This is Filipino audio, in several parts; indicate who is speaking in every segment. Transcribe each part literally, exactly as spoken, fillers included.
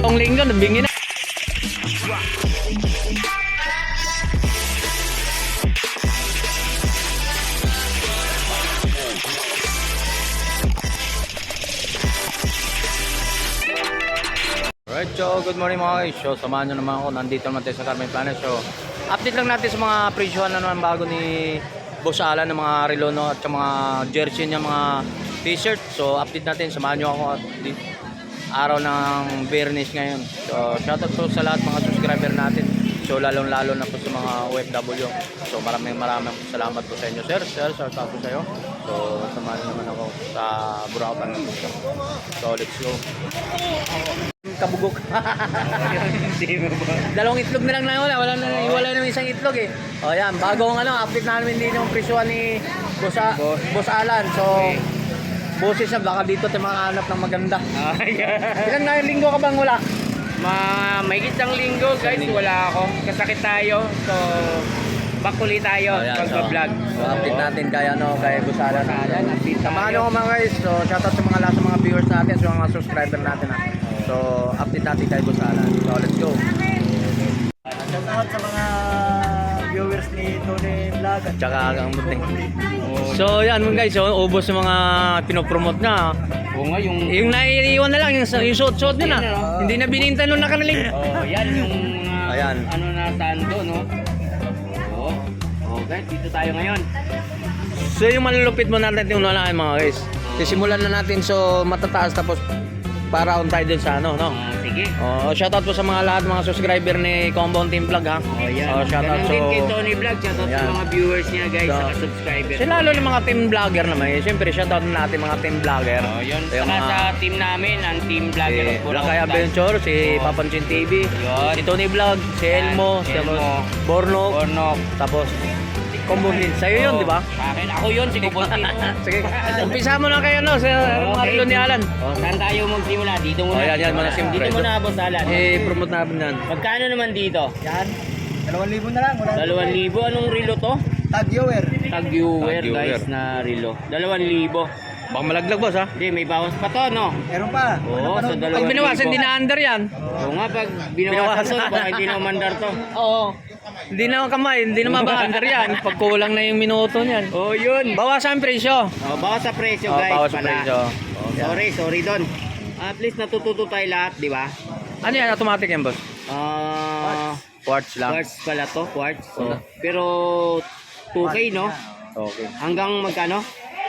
Speaker 1: Itong linggo, nabingi na. Alright, so good morning mga guys. So samahan nyo naman ako, nandito naman tayo sa Carmen Planet. So update lang natin sa mga presyuhan na naman bago ni Boss Alan ng mga relo, no, at sa mga jersey niya, mga t-shirt. So update natin, samahan nyo ako at di, araw ng Bernis ngayon. So shoutout po sa lahat mga subscriber natin. So lalong lalo na po sa mga O F W. So maraming maraming salamat po sa inyo sir. Sir, shoutout po sa iyo. So samahan naman ako sa Buracan. So let's go. Kabugok. Dalawang itlog na lang na wala. Wala na, wala na isang itlog eh. O yan, bagong ano, update namin din yung presyo ni Boss, Boss Alan. So, boses siya, baka dito tayo makahanap ng maganda. Ilan na linggo ka bang wala?
Speaker 2: Ma may isang linggo guys, wala ako. Kasakit tayo. So, bakuli tayo pag-vlog.
Speaker 1: So, update natin kay ano, kay Boss Alan. Samahan nyo ko mga guys. So, shoutout sa mga lahat sa mga viewers natin, sa mga subscriber natin. Ha. So, update natin kay Boss Alan. So, let's go.
Speaker 3: Shoutout sa mga viewers ni Tony Vlog at
Speaker 1: Tsaka ang muting. So, yan mga guys. So, ubos yung mga pinopromote na.
Speaker 2: Oo nga, yung...
Speaker 1: Yung naiiwan na lang, yung, yung suot-suot nyo na. Hindi na bininta nung nakanalig.
Speaker 2: Oh, yan yung uh,
Speaker 1: Ayan.
Speaker 2: ano na sando, no? Oo. Oh, guys, dito tayo ngayon.
Speaker 1: So, yung malulupit mo natin yung unahin mga guys. Sisimulan na natin so matataas tapos para on tayo dun sa ano, no?
Speaker 2: Oh, sige.
Speaker 1: Oh, shoutout po sa mga lahat mga subscriber ni Compound Team Vlog ha.
Speaker 2: Oh, yan.
Speaker 1: Oh, shoutout
Speaker 2: Ganun
Speaker 1: so
Speaker 2: din kay Tony Vlog. Shoutout sa
Speaker 1: Ayan.
Speaker 2: mga viewers niya guys,
Speaker 1: So,
Speaker 2: saka subscribers.
Speaker 1: So, lalo ng mga team vlogger naman. Eh. Siyempre, shoutout natin mga team vlogger.
Speaker 2: Oh, yun.
Speaker 1: So, yung
Speaker 2: Saka
Speaker 1: mga
Speaker 2: sa team namin, ang team vlogger
Speaker 1: si
Speaker 2: of Buracan.
Speaker 1: Lakay Adventure, si
Speaker 2: Oh.
Speaker 1: Papanchin T V,
Speaker 2: Yun.
Speaker 1: si Tony Vlog, si
Speaker 2: Yan,
Speaker 1: Elmo,
Speaker 2: si
Speaker 1: si
Speaker 2: Elmo.
Speaker 1: Bornok,
Speaker 2: Bornok.
Speaker 1: tapos Compound Team. Sa'yo yun,
Speaker 2: Oh,
Speaker 1: di ba?
Speaker 2: sa akin, ako yun, si Kubunti.
Speaker 1: Sige, umpisa mo na kayo no, sa mga relo ni Alan.
Speaker 2: Oh, saan tayo magsimula? Dito muna.
Speaker 1: Oh, yan, yan,
Speaker 2: Dito
Speaker 1: mga
Speaker 2: muna.
Speaker 1: simple.
Speaker 2: Dito muna, Boss Alan.
Speaker 1: I-promote namin yan.
Speaker 2: Magkano naman dito?
Speaker 3: yan. Dalawang libo na lang. Wala
Speaker 2: Dalawang libo. Anong relo to?
Speaker 3: Tag viewer.
Speaker 2: Tag-viewer
Speaker 1: Tag-viewer.
Speaker 2: guys na relo. Dalawang libo.
Speaker 1: Baka malaglag boss ha?
Speaker 2: Hindi, may bawas pa to, no?
Speaker 3: Meron pa.
Speaker 2: Oo,
Speaker 3: Ano pa
Speaker 2: sa
Speaker 3: nun?
Speaker 2: dalawa.
Speaker 1: Pag binawasan, hindi na under yan.
Speaker 2: Oo nga, pag binawasan to, baka hindi na umandar to.
Speaker 1: Oo. Hindi na kamay, hindi na maba-under yan. Pag kulang na yung minuto niyan.
Speaker 2: Oh, yun.
Speaker 1: Bawasan ang presyo.
Speaker 2: Oh, bawas sa presyo,
Speaker 1: Oh,
Speaker 2: guys.
Speaker 1: bawas sa
Speaker 2: pala.
Speaker 1: presyo.
Speaker 2: Oh, sorry, sorry doon. At least natututo tayo lahat, di ba?
Speaker 1: Ano yan? Automatic yan boss?
Speaker 2: Ah,
Speaker 1: Quartz lang.
Speaker 2: quartz pala to, quartz.
Speaker 1: Oo.
Speaker 2: Oh. Pero two K, no?
Speaker 1: Okay.
Speaker 2: Hanggang magkano?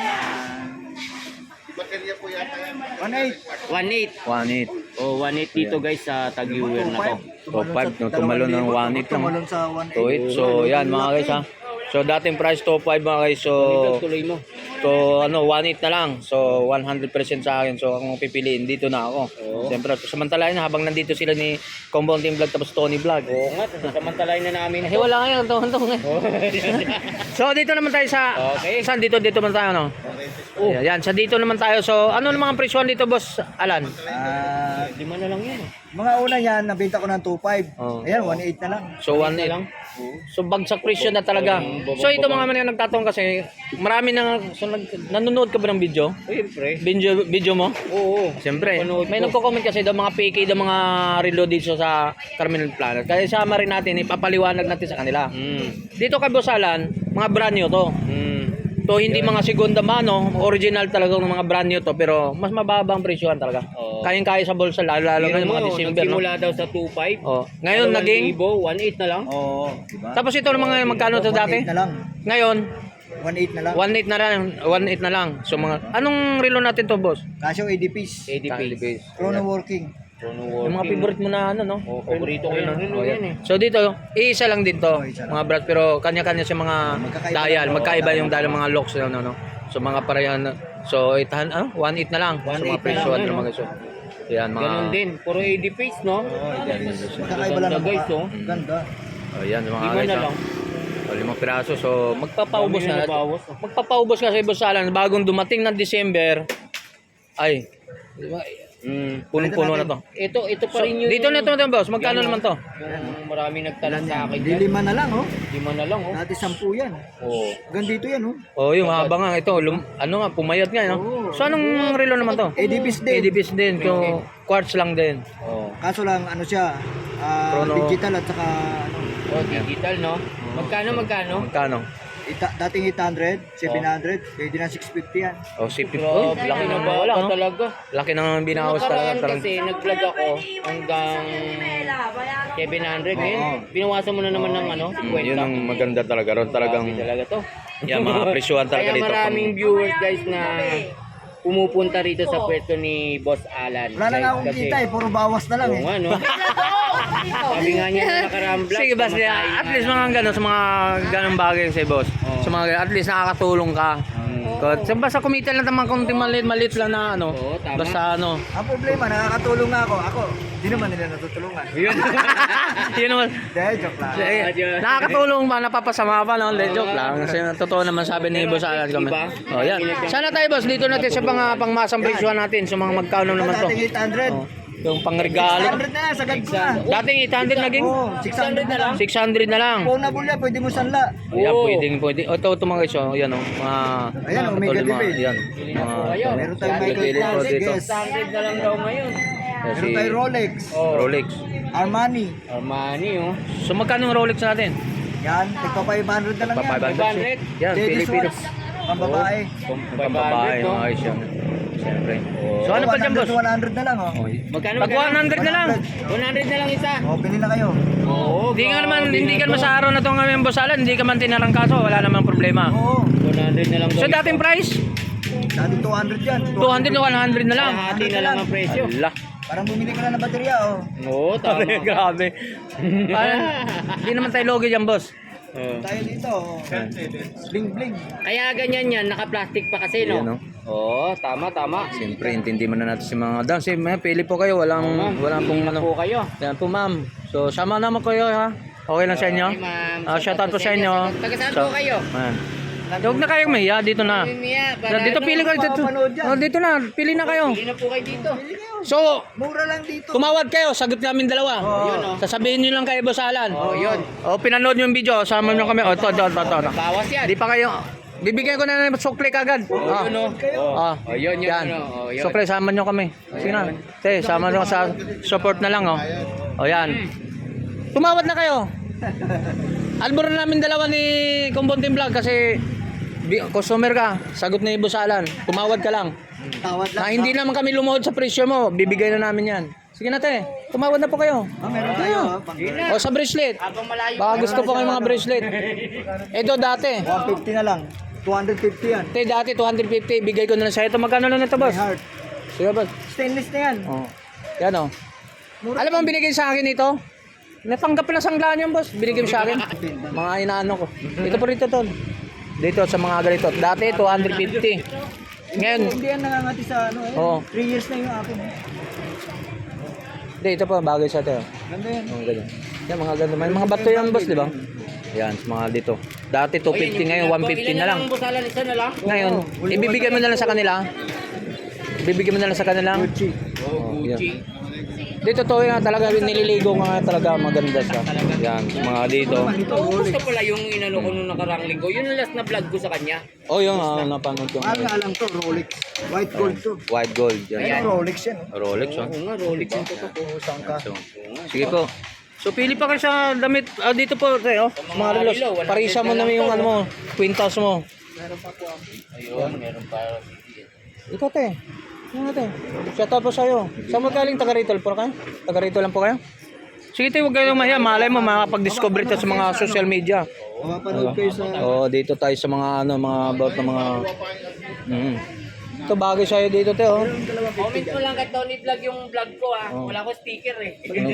Speaker 3: one eight.
Speaker 2: one eight.
Speaker 1: one eight.
Speaker 2: Oh, one eight dito guys sa tag-viewer na to.
Speaker 1: So five, no, tumalon ng one eight lang.
Speaker 3: Tumalon sa one
Speaker 1: two
Speaker 3: eight.
Speaker 1: eight. So yan mga guys ha. So dating price two five mga guys. So
Speaker 2: Tuloy mo.
Speaker 1: So ano, one eight na lang. So one hundred percent sa akin. So kung pipiliin, dito na ako.
Speaker 2: Oo.
Speaker 1: Siyempre, samantalain na habang nandito sila ni Compound Team Vlog tapos Tony Vlog.
Speaker 2: Oo nga, samantalain na namin.
Speaker 1: Eh wala ngayon, tong-tong eh. So dito naman tayo sa
Speaker 2: Okay.
Speaker 1: Saan dito dito naman tayo no? Oh, yan, sa dito naman tayo. So ano naman ang presyon dito, Boss Alan?
Speaker 3: Ah,
Speaker 2: Lima na lang yan.
Speaker 3: mga una yan, nabenta ko ng two five.
Speaker 1: Oh.
Speaker 3: Ayan, one eight na lang.
Speaker 1: So one eight lang. So bagsak presyo na talaga. So ito mga mga nagtatanong kasi marami na so, nag, nanonood ka ba ng video?
Speaker 2: Siyempre.
Speaker 1: Video video mo?
Speaker 2: Oo.
Speaker 1: Siyempre.
Speaker 2: Panood
Speaker 1: May
Speaker 2: ko.
Speaker 1: nagko-comment kasi daw mga fake daw mga reload dito sa Carmen Planet. Kaya sama rin natin ipapaliwanag natin sa kanila.
Speaker 2: Mm.
Speaker 1: Dito kay Boss Alan, mga brand new to.
Speaker 2: Mm.
Speaker 1: To hindi mga segunda mano, original talaga ng mga brand new to pero mas mababa ang presyohan talaga.
Speaker 2: Oo.
Speaker 1: Kayang-kaya sa bulsa lalo lalo
Speaker 2: Tingnan
Speaker 1: ng mga
Speaker 2: mo,
Speaker 1: December no.
Speaker 2: nagsimula daw sa two five.
Speaker 1: Oh, ngayon naging
Speaker 2: one eight na lang.
Speaker 3: Oo, diba?
Speaker 1: tapos ito ng mga magkano to
Speaker 3: one
Speaker 1: dati?
Speaker 3: eight na lang.
Speaker 1: Ngayon,
Speaker 3: one eight na lang.
Speaker 1: one eight na lang, one eight na lang. So mga anong relo natin to, boss?
Speaker 3: Casio A D piece.
Speaker 2: A D P.
Speaker 3: Chrono working.
Speaker 1: Yung mga favorite mo na ano, no?
Speaker 2: Oh, paborito ko
Speaker 1: Ayun,
Speaker 2: yung
Speaker 1: no?
Speaker 2: relo
Speaker 1: Oh,
Speaker 2: yan eh.
Speaker 1: So dito, iisa lang din to,
Speaker 3: Oh, isa lang.
Speaker 1: mga brand pero kanya-kanya sa mga
Speaker 3: Magkakaiba
Speaker 1: dial,
Speaker 3: lang.
Speaker 1: magkaiba
Speaker 3: Oo,
Speaker 1: yung dial ng mga locks no, no, no. So mga parehan na. So eight ano, one eight na lang. So
Speaker 3: one
Speaker 1: mga
Speaker 3: eight na
Speaker 1: presyo
Speaker 2: lang,
Speaker 1: ano
Speaker 2: ano?
Speaker 1: mga so. Yan mga
Speaker 2: Ganun din. Puro A D face, no?
Speaker 3: Magkakaiba lang.
Speaker 2: Ganda,
Speaker 3: ng
Speaker 2: guys,
Speaker 3: mukha.
Speaker 2: oh.
Speaker 3: Ganda.
Speaker 1: Oh, yan mga
Speaker 2: Lima
Speaker 1: guys.
Speaker 2: na
Speaker 1: ah.
Speaker 2: lang.
Speaker 1: O, limang piraso. So, magpapaubos
Speaker 2: Dami na
Speaker 1: na.
Speaker 2: nabawas, ah.
Speaker 1: Magpapaubos kasi Boss Alan, bagong dumating ng December. Ay,
Speaker 2: Mm.
Speaker 1: Punong-puno na to.
Speaker 2: Ito, ito pa
Speaker 1: So,
Speaker 2: rin yung...
Speaker 1: dito na ito, boss. Magkano
Speaker 2: Yan,
Speaker 1: naman to?
Speaker 2: Yung maraming nagtanong sa akin
Speaker 3: Di
Speaker 2: dyan.
Speaker 3: lima na lang, oh.
Speaker 2: Lima na lang, oh.
Speaker 3: Dati sampu yan.
Speaker 2: Oo.
Speaker 3: Gandito yan, oh.
Speaker 1: Oh, yung haba nga ito. Lum, ano nga, pumayat nga, no?
Speaker 3: Oo.
Speaker 1: So, anong relo naman to?
Speaker 3: A D Bs din.
Speaker 1: A D Bs din. So, quartz lang din. Oh.
Speaker 3: Kaso lang, ano siya, ah,
Speaker 1: Chrono.
Speaker 3: digital at saka, ano,
Speaker 2: Oh, digital, no? Magkano, magkano?
Speaker 1: Magkano?
Speaker 3: ita, dating eight hundred, seven hundred, pwede na six fifty yan.
Speaker 1: Oh, si Pip. Oh,
Speaker 2: Grabe,
Speaker 1: laki ng
Speaker 2: kinabala
Speaker 1: wala,
Speaker 2: ka
Speaker 1: no?
Speaker 2: talaga.
Speaker 1: Laki ng binawas
Speaker 2: Nakaraan
Speaker 1: talaga.
Speaker 2: kasi, nag-vlog ako hanggang seven hundred. Ngayon,
Speaker 3: Oo.
Speaker 2: binawasan mo na naman ng ano,
Speaker 1: Mm,
Speaker 2: kwenta.
Speaker 1: yun ang maganda talaga. Ron talagang,
Speaker 2: Grabe talaga to.
Speaker 1: yan, mga presyuhan talaga
Speaker 2: Kaya
Speaker 1: dito.
Speaker 2: maraming viewers guys na pumupunta rito sa pwesto ni Boss Alan.
Speaker 3: Wala na nga
Speaker 2: Guys,
Speaker 3: akong
Speaker 2: kasi-
Speaker 3: kita eh, puro bawas na lang
Speaker 2: Oo
Speaker 3: eh.
Speaker 2: nga, no? Sabi nga niya na nakaraang vlog.
Speaker 1: Sige, basta
Speaker 2: pamasahe
Speaker 1: at
Speaker 2: nga
Speaker 1: least
Speaker 2: lang.
Speaker 1: mga gano'n sa mga ganong bagay sa boss.
Speaker 2: Oo.
Speaker 1: Sa mga at least nakakatulong ka. Kasi so, basta kumita lang naman kung maliit maliit lang na ano.
Speaker 2: Oo, tama.
Speaker 1: Basta ano.
Speaker 3: Ang problema, nakakatulong nga ako. Ako, di naman nila natutulungan.
Speaker 1: Yun. Yun naman.
Speaker 3: Dahil, joke lang.
Speaker 1: Eh, nakakatulong ba, napapasama pa, no? Hindi, joke lang. Kasi totoo naman sabi ni Boss Alan kami.
Speaker 2: Iba?
Speaker 1: Oh, yan. Sana tayo, boss, dito natin sa pang, pangmasang presyohan natin. Sa mga magkano naman to.
Speaker 3: Dating eight hundred.
Speaker 1: Oh, yung pangregalo.
Speaker 3: six hundred na yan, sagad ko na.
Speaker 1: Dating eight hundred naging
Speaker 3: Oo, six hundred na lang.
Speaker 1: six hundred na lang.
Speaker 3: Phonable yan, pwede mo sanla.
Speaker 1: Ayan,
Speaker 2: Oo.
Speaker 1: pwedeng, pwede. O, ito, ito mga guys, oh, yan, oh, mga...
Speaker 3: Ayan,
Speaker 1: mga
Speaker 3: Omega
Speaker 1: katulad, mga-
Speaker 3: Libre.
Speaker 1: Yan,
Speaker 2: Bili na po
Speaker 1: mga...
Speaker 2: kayo.
Speaker 3: Meron tayong
Speaker 1: Bili-
Speaker 3: Michael
Speaker 1: bili po
Speaker 3: Kors,
Speaker 1: dito.
Speaker 3: yes.
Speaker 2: six hundred na lang daw ngayon.
Speaker 1: Kasi,
Speaker 3: Meron tayong Rolex,
Speaker 2: Oh.
Speaker 1: Rolex.
Speaker 3: Armani.
Speaker 2: Armani, oh.
Speaker 1: So, magkano yung Rolex natin?
Speaker 3: Yan, tigpa five hundred na lang
Speaker 1: Pa
Speaker 3: yan.
Speaker 1: five
Speaker 2: five hundred.
Speaker 1: Yan,
Speaker 3: Ladies
Speaker 1: Pilipino.
Speaker 3: watch, pambabae.
Speaker 1: Pambabae,
Speaker 2: no?
Speaker 1: mga guys, yan. Siyempre.
Speaker 2: Oh.
Speaker 1: So, ano pa dyan, boss?
Speaker 3: one hundred na lang, oh.
Speaker 2: Magkano,
Speaker 1: Pag one hundred na lang.
Speaker 2: one hundred na lang isa.
Speaker 3: Oh, pili na kayo.
Speaker 2: Oo,
Speaker 1: Hindi nga naman,
Speaker 2: grabe
Speaker 1: hindi
Speaker 2: na
Speaker 1: ka
Speaker 2: to.
Speaker 1: naman sa araw na to ngayon, Boss Alan, hindi ka man tinarang kaso, wala namang problema.
Speaker 3: Oo.
Speaker 2: one hundred na lang daw.
Speaker 1: So, dating price,
Speaker 3: Dati two hundred yan.
Speaker 1: two hundred to one hundred na lang.
Speaker 2: Hati na lang ang presyo.
Speaker 1: Ala.
Speaker 3: Parang bumili ka na ng baterya, oh.
Speaker 2: Oo, tama.
Speaker 1: Grabe, grabe. Hindi naman tayo logi dyan, boss.
Speaker 2: Oo.
Speaker 3: Tayo dito, oh. Bling bling.
Speaker 2: Kaya ganyan yan, naka-plastic pa kasi, no?
Speaker 1: Ayan, no?
Speaker 2: Oo, tama, tama.
Speaker 1: Siyempre, intindi mo na natin si mga dance. Eh, may pili po kayo, walang,
Speaker 2: Ma'am,
Speaker 1: walang pong
Speaker 2: pili na
Speaker 1: ano.
Speaker 2: po kayo.
Speaker 1: Yan po, ma'am. So, sama naman kayo, ha? Okay lang sa inyo?
Speaker 2: Okay, ma'am.
Speaker 1: Ah, shout out po sa inyo.
Speaker 2: Taga saan
Speaker 1: So,
Speaker 2: po kayo?
Speaker 1: Man. Huwag na kayong mahiya, dito na.
Speaker 2: Mimiya, para
Speaker 1: Dito
Speaker 2: ano,
Speaker 1: pili kayo dito.
Speaker 3: mapapanood yan.
Speaker 1: Oh, dito na, pili na kayo.
Speaker 2: Pili na po kayo dito.
Speaker 1: So,
Speaker 3: Mura lang dito.
Speaker 1: tumawad kayo, sagot namin dalawa.
Speaker 3: Oo.
Speaker 2: Yun, oh.
Speaker 1: Sasabihin niyo lang kay Boss Alan.
Speaker 2: Oh, yun.
Speaker 1: O, pinanood niyo yung video, sama niyo kami. O, to, to, to, to.
Speaker 2: Bawas yan.
Speaker 1: Di pa kayo, bibigyan ko na ng sukli kagad.
Speaker 2: Oh,
Speaker 1: Ah.
Speaker 2: yun, oh.
Speaker 1: Ah.
Speaker 2: Oh, yun, yun,
Speaker 1: Yan.
Speaker 2: yun, oh, yun.
Speaker 1: Sukli, sama niyo kami. Sige na. Te, sama niyo sa support na lang, oh. O, yan. Tumawad na kayo. Alburan namin dalawa ni Kumbonting Vlog kasi bi- customer ka, sagot ni Boss Alan. Tumawad ka lang.
Speaker 3: Tawad lang.
Speaker 1: Na hindi naman kami lumuhod sa presyo mo, bibigay na namin yan. Sige na, te. Tumawad na po kayo.
Speaker 3: Ah, meron tayo, ah. Pang-
Speaker 1: O sa bracelet.
Speaker 2: Habang malayo.
Speaker 1: Baka gusto po kayo mga bracelet. Ito dati.
Speaker 3: one fifty na lang. two fifty yan.
Speaker 1: Ito dati two hundred fifty. Bigay ko na lang sa'yo. Ito magkano lang ito,
Speaker 3: My
Speaker 1: boss?
Speaker 3: heart.
Speaker 1: Sige, boss.
Speaker 3: Stainless na yan.
Speaker 1: Oh. Yan, oh.
Speaker 3: Mura.
Speaker 1: Alam mo ang binigay sa akin ito? Natanggap na sanglaan yan, boss. Binigay mo sa akin. Mga inaano ko. Ito po rito, tol. Dito sa mga ganito. Dati two hundred fifty. Ngayon,
Speaker 3: Hindi yan nangangati sa ano. eh.
Speaker 1: Oo.
Speaker 3: three years na yung akin.
Speaker 1: hindi, ito po. Bagay sa ito.
Speaker 3: Ganda yan.
Speaker 1: Mga ganyan. Yan, mga ganito. May mga bato yan, boss, di ba? Yan, sa mga dito. Dati two fifty, ngayon one fifty na lang.
Speaker 2: Ilan busalan, isa na lang?
Speaker 1: Ngayon, ibibigay mo na lang sa kanila. Ibibigay mo na lang sa kanila.
Speaker 3: Gucci.
Speaker 2: Oh,
Speaker 1: yeah.
Speaker 2: Gucci.
Speaker 1: Dito to nga talaga, nililigo nga talaga maganda siya. Yan, mga dito.
Speaker 2: Oo, gusto pala yung inano ko nung nakarang linggo. Yun ang last na vlog ko sa kanya.
Speaker 1: Oh, yung ah, napanood ko.
Speaker 3: Mahal nga lang to, Rolex. White gold to.
Speaker 1: White gold. Yan.
Speaker 3: Ayan, Rolex yan. oh.
Speaker 1: Rolex, oh.
Speaker 2: Oo nga, Rolex yung
Speaker 3: Ito po, saan ka?
Speaker 1: So, sige po. So, pili pa kayo sa damit. Ah, dito po, tayo. Mga relos.
Speaker 2: relo, one hundred
Speaker 1: Parisa mo
Speaker 2: na
Speaker 1: na
Speaker 2: lang
Speaker 1: yung
Speaker 2: to,
Speaker 1: ano mo. Quintas mo.
Speaker 2: Ayun, meron pa.
Speaker 1: Ikaw, te. Ano te? Shout out po sa'yo. Saan mo galing? Taga rito po kayo? Taga rito lang po kayo? Sige, te, huwag kayong mahiya. Malay mo, makapag-discover ito sa mga social media.
Speaker 3: Mapapanood kayo sa...
Speaker 1: Oo, dito tayo sa mga ano, mga about ng mga mm. Ito bagay sa'yo dito, te, oh.
Speaker 2: Comment mo lang kay Tony Vlog yung vlog ko ah.
Speaker 1: Oh.
Speaker 2: Wala ko sticker eh.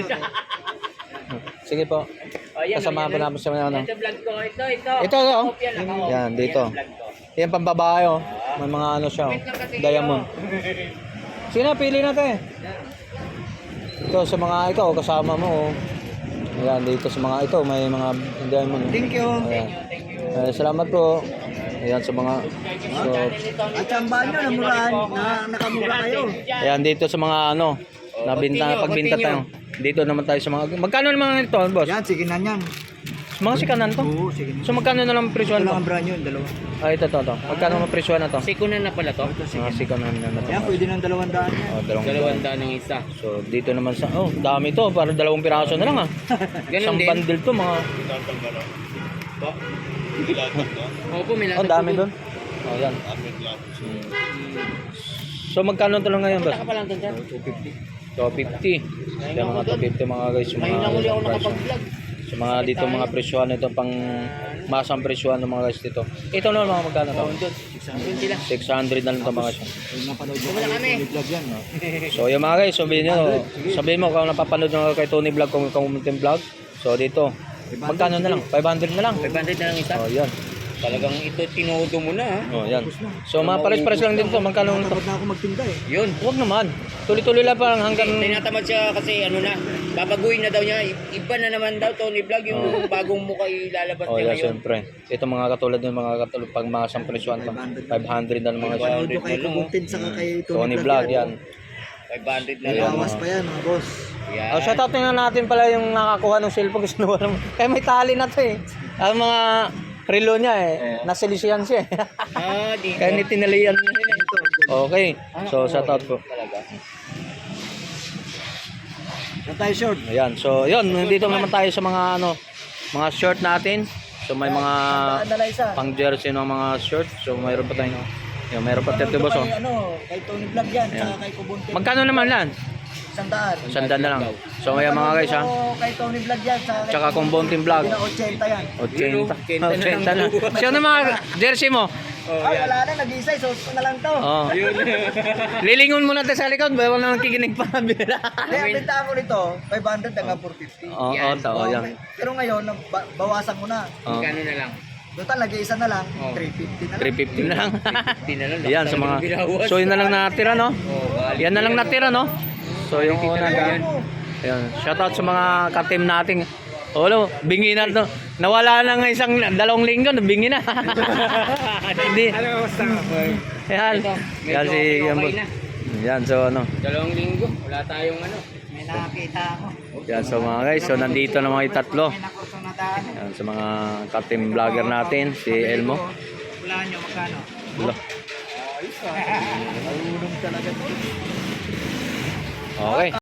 Speaker 1: Sige po.
Speaker 2: Ayan,
Speaker 1: Kasama pa namin sa mga ano.
Speaker 2: Ito vlog ko. Ito, ito.
Speaker 1: Ito, oh.
Speaker 2: Kopya lang ako.
Speaker 1: Yan, dito.
Speaker 2: Yan ang vlog ko.
Speaker 1: Yan pambabae, oh. May mga ano siya, oh. Diamond. Sige na, pili na, te. Ito sa mga ikaw, kasama mo, oh. Ayan, dito sa mga ito, may mga diamond.
Speaker 3: Thank you.
Speaker 1: Ayan. Eh, salamat po. Ayan sa mga so
Speaker 3: At ang banyo, namurahan, na, nakamura kayo.
Speaker 1: ayan dito sa mga ano, nabinta
Speaker 2: continue,
Speaker 1: pagbinta tayo. Dito naman tayo sa mga magkano naman ito, boss?
Speaker 3: Yan, sige na yan.
Speaker 1: Mga sikanan to.
Speaker 3: Oo, sige na.
Speaker 1: So magkano na lang
Speaker 3: Ito
Speaker 1: presyohan
Speaker 3: lang
Speaker 1: to?
Speaker 3: ang brand yun, dalawa.
Speaker 1: Ah, ito to, to. Magkano ang presyohan na to?
Speaker 2: Sikunan na pala to.
Speaker 1: Mga sikanan na na to.
Speaker 3: Yan, pwede ng dalawang daan yan.
Speaker 1: Oh, dalawang
Speaker 2: Dalawang daan ng isa.
Speaker 1: So dito naman sa oh, dami to, para dalawang piraso na lang ah.
Speaker 2: Ganun
Speaker 1: Isang
Speaker 2: din.
Speaker 1: bundle to mga
Speaker 2: Opo, may
Speaker 1: oh, dami doon. Oh, yan. So magkano to lang ngayon, boss?
Speaker 2: Punta ka pa lang doon dyan.
Speaker 1: two fifty. two fifty. Yan mga two fifty mga guys, yung
Speaker 2: Ngayon
Speaker 1: mga
Speaker 2: lang uli ako
Speaker 1: presyo.
Speaker 2: nakapag-vlog.
Speaker 1: So mga dito mga presyohan ito pang masang presyohan ng mga guys dito. Ito na mga magkano to?
Speaker 2: Doon sila.
Speaker 1: six hundred na lang to mga guys.
Speaker 3: Pwede napanood mo
Speaker 2: Wala kami.
Speaker 3: yung vlog yan. no?
Speaker 1: So yung mga guys, sabihin nyo, sabihin mo kung napapanood nyo kay Tony Vlog, kung kung vlog. So dito, magkano na lang? five hundred na lang.
Speaker 2: five hundred na lang isa.
Speaker 1: Oh, yan.
Speaker 2: Talagang ito tinodo mo na ha.
Speaker 1: Oh, yan. So mga pares-pares lang din to. Magkano lang to?
Speaker 3: Takot na ako magtinda eh.
Speaker 2: Yun.
Speaker 1: Huwag naman. Tuloy-tuloy lang parang hanggang
Speaker 2: Tinatamad siya kasi ano na, babaguhin na daw niya. Iba na naman daw Tony Vlog yung bagong mukha ilalabas
Speaker 1: oh,
Speaker 2: niya
Speaker 1: yeah,
Speaker 2: ngayon.
Speaker 1: siyempre. Ito mga katulad ng mga katulad pag mga isang presyohan to. five hundred na lang mga guys.
Speaker 3: Panood mo kay Kuguntin saka kay
Speaker 1: Tony Vlog yan.
Speaker 2: five hundred na
Speaker 3: May
Speaker 2: lang.
Speaker 3: bawas pa yan mga boss.
Speaker 2: Yan.
Speaker 1: Oh, shoutout na natin pala yung nakakuha ng cellphone kasi nawala mo. Kaya may tali na to eh. Ang mga relo niya eh. Nasilisihan siya eh.
Speaker 2: Ah, dito.
Speaker 1: Kaya ni tinalian niya rin eh. Okay. So shoutout po.
Speaker 2: Talaga.
Speaker 3: Na tayo short.
Speaker 1: Ayan. So yun, nandito naman tayo sa mga ano, mga short natin. So may mga
Speaker 3: Dala isa.
Speaker 1: pang jersey ng mga short. So mayroon pa tayo. Yung mayroon pa
Speaker 3: Panood
Speaker 1: tayo
Speaker 3: ko
Speaker 1: boss oh.
Speaker 3: kay, ano, kay Tony Vlog yan,
Speaker 1: Ayan.
Speaker 3: saka kay Kuguntin.
Speaker 1: Magkano naman lan?
Speaker 3: Isang daan.
Speaker 1: Sandaan na lang. So ayan mga guys ha.
Speaker 3: Panood ko Kay Tony Vlog yan, saka kay
Speaker 1: Tsaka kung Bonting Vlog.
Speaker 3: Hindi na eighty yan.
Speaker 1: eighty.
Speaker 2: eighty na
Speaker 1: eighty
Speaker 2: lang.
Speaker 1: na. Sino mga jersey mo?
Speaker 2: Oh,
Speaker 3: Ay,
Speaker 2: yan.
Speaker 3: wala na, nag-isa, suot ko na lang to.
Speaker 1: Oh. Lilingon muna tayo sa likod, bawal na nakikinig pa. Bila.
Speaker 3: Hindi, ang benta ko nito, five hundred hanggang four fifty.
Speaker 1: Oo, oh, tao yan.
Speaker 3: Pero ngayon, nab- ba- bawasan ko na.
Speaker 1: Oh.
Speaker 2: Magkano na lang?
Speaker 3: Doon lagi isa na lang,
Speaker 2: Oh.
Speaker 3: three fifty na lang.
Speaker 1: three fifty na lang.
Speaker 2: fifty na lang.
Speaker 1: Yan sa mga so yun na lang natira no.
Speaker 2: Oh,
Speaker 1: Yan na lang natira no. So yung una
Speaker 3: Kaya
Speaker 1: yan.
Speaker 3: mo,
Speaker 1: Ayan, shoutout sa mga ka-team natin. Olo, bingi na to. Nawala na ng isang dalawang linggo, bingi na. Hindi.
Speaker 2: Ano basta?
Speaker 1: Yan.
Speaker 2: Ito,
Speaker 1: Yan
Speaker 2: medyo
Speaker 1: si
Speaker 2: okay
Speaker 1: yan,
Speaker 2: na.
Speaker 1: yan so ano.
Speaker 2: Dalawang linggo, wala tayong ano.
Speaker 3: may nakakita ako.
Speaker 1: Yan so mga guys, so nandito na mga tatlo.
Speaker 3: May nakurso na daan.
Speaker 1: Yan sa mga ka-team vlogger natin, si Elmo.
Speaker 3: Wala nyo, magkano?
Speaker 1: Wala.
Speaker 3: Marunong talaga.
Speaker 1: Okay.